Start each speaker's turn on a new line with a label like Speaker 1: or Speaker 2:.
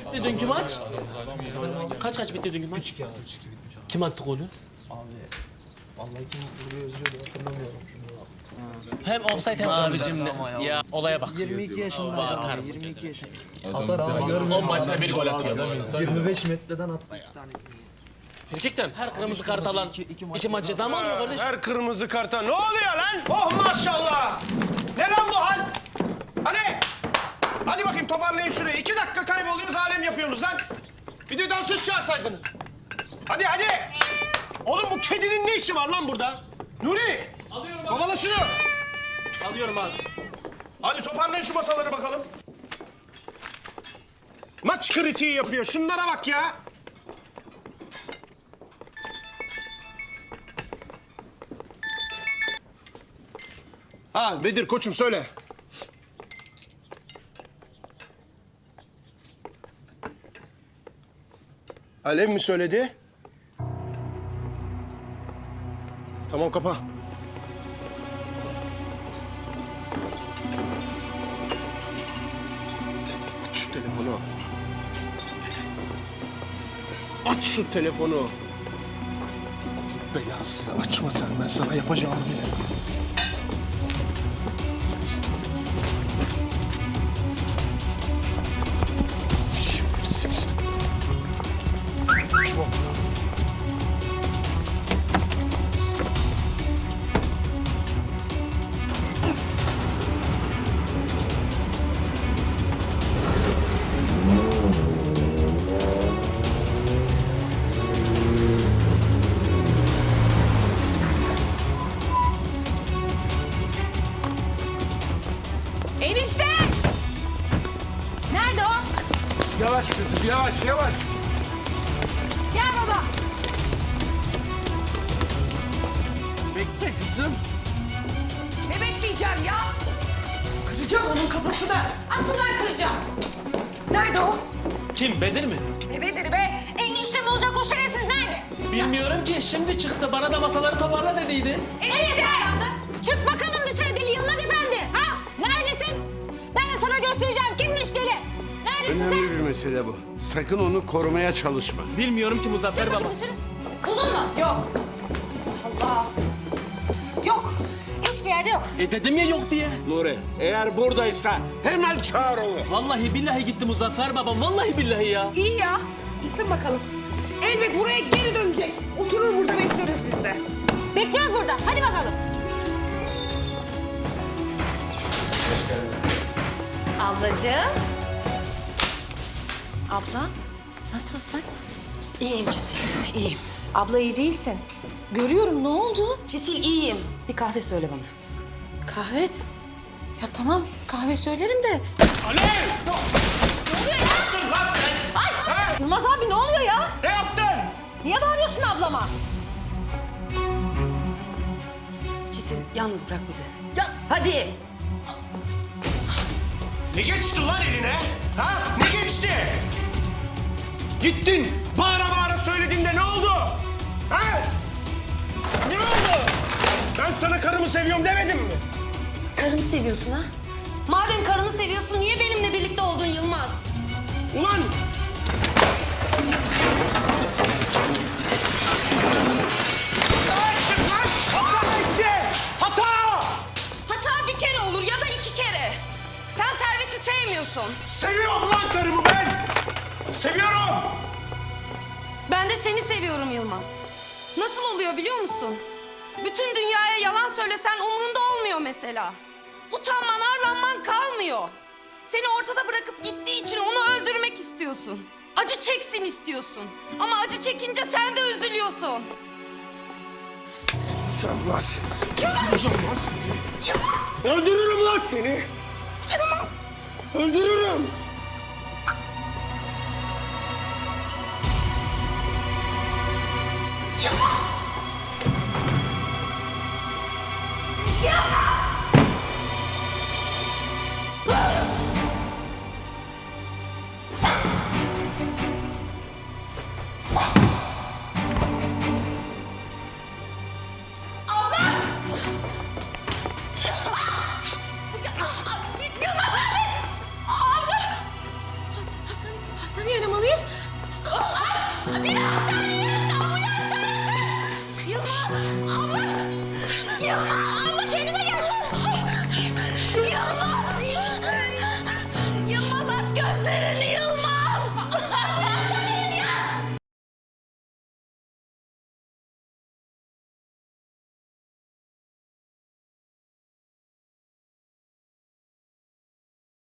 Speaker 1: bitti dünkü maç? Kaç bitti dünkü maç?
Speaker 2: 3-2 abi, 3-2 bitmiş abi.
Speaker 1: Kim attı golü?
Speaker 2: Abi, vallahi kim buraya yazıyordu hatırlamıyorum şimdi.
Speaker 1: Hem offside hem abicim de. Ya olaya bak.
Speaker 2: 22 yaşında
Speaker 1: Atar.
Speaker 2: abi, 22 yaşında. Atar ama görmüyor.
Speaker 1: 10 maçta bir gol atıyor.
Speaker 2: 25 metreden attı 2 tanesini.
Speaker 1: Gerçekten her kırmızı kart alan iki maç ceza mı alıyor kardeş?
Speaker 3: Her kırmızı karta ne oluyor lan? Oh maşallah! Ne lan bu hal? Hadi! Hadi bakayım toparlayın şurayı. 2 dakika kayboluyoruz, alem yapıyorsunuz lan. Bir de dansöz çağırsaydınız. Hadi hadi! Oğlum bu kedinin ne işi var lan burada? Nuri!
Speaker 1: Alıyorum abi.
Speaker 3: Kovala şunu!
Speaker 1: Alıyorum abi.
Speaker 3: Hadi toparlayın şu masaları bakalım. Maç kritiği yapıyor. Şunlara bak ya. Ha Bedir koçum söyle. Alev mi söyledi? Tamam kapa. Aç şu telefonu. Aç şu telefonu. Belası açma sen, ben sana yapacağım bile. Şerefsiz. Açma.
Speaker 4: Enişte! Nerede o?
Speaker 5: Yavaş kızım, yavaş, yavaş.
Speaker 4: Gel baba.
Speaker 3: Bekle kızım.
Speaker 4: Ne bekleyeceğim ya? Kıracağım onun kafasını. Asıl ben kıracağım. Nerede o?
Speaker 1: Kim? Bedir mi?
Speaker 4: Ne bedeli be? Enişte mi olacak o şerefsiz nerede?
Speaker 1: Bilmiyorum ki. Şimdi çıktı. Bana da masaları toparla dediydi.
Speaker 4: Enişte! Çık bakalım dışarı deli Yılmaz Efendi. Ha? Neredesin? Ben de sana göstereceğim kimmiş deli. Neredesin sen?
Speaker 6: Önemli bir mesele bu. Sakın onu korumaya çalışma.
Speaker 1: Bilmiyorum ki Muzaffer
Speaker 4: Çık
Speaker 1: baba.
Speaker 4: bakayım dışarı. Buldun mu? Yok. Allah. Yok. Hiçbir yerde yok.
Speaker 1: Dedim ya yok diye.
Speaker 6: Nuri, eğer buradaysa hemen çağır onu.
Speaker 1: Vallahi billahi gitti Muzaffer babam. Vallahi billahi ya.
Speaker 7: İyi ya. Gitsin bakalım. Elbet buraya geri dönecek. Oturur burada bekleriz biz de.
Speaker 4: Bekliyoruz burada. Hadi bakalım. Ablacığım. Abla, nasılsın?
Speaker 8: İyiyim Çisil, iyiyim.
Speaker 4: Abla iyi değilsin. Görüyorum, ne oldu?
Speaker 8: Çisil iyiyim. Bir kahve söyle bana.
Speaker 4: Kahve? Ya tamam, kahve söylerim de.
Speaker 3: Alev!
Speaker 4: Ne oluyor ya?
Speaker 3: Ne yaptın lan sen?
Speaker 4: Ay!
Speaker 3: Ha?
Speaker 4: Yılmaz abi ne oluyor ya?
Speaker 3: Ne yaptın?
Speaker 4: Niye bağırıyorsun ablama?
Speaker 8: Çisil yalnız bırak bizi.
Speaker 4: Ya
Speaker 8: Hadi.
Speaker 3: Ne geçti lan eline? Ha? Ne geçti? Gittin, bağıra bağıra söyledin de ne oldu? Ha? Ne oldu? Ben sana karımı seviyorum demedim mi?
Speaker 8: Karını seviyorsun ha? Madem karını seviyorsun niye benimle birlikte oldun Yılmaz?
Speaker 3: Ulan! Artık lan! Hata etti! Hata!
Speaker 8: Hata bir kere olur ya da 2 kere. Sen Servet'i sevmiyorsun.
Speaker 3: Seviyorum lan karımı ben! Seviyorum!
Speaker 8: Ben de seni seviyorum Yılmaz. Nasıl oluyor biliyor musun? Bütün dünyaya yalan söylesen umurunda olmuyor mesela. Utanman, arlanman kalmıyor. Seni ortada bırakıp gittiği için onu öldürmek istiyorsun. Acı çeksin istiyorsun. Ama acı çekince sen de üzülüyorsun.
Speaker 3: Öldüreceğim lan seni. Öldüreceğim lan seni.
Speaker 8: Yılmaz!
Speaker 3: Öldürürüm lan seni. Öldürürüm.
Speaker 8: Yılmaz! Yılmaz! Yılmaz abi! Abla! Yılmaz! Abla! Yılmaz! Abla kendine gel! Yılmaz iyi misin? Yılmaz aç gözlerini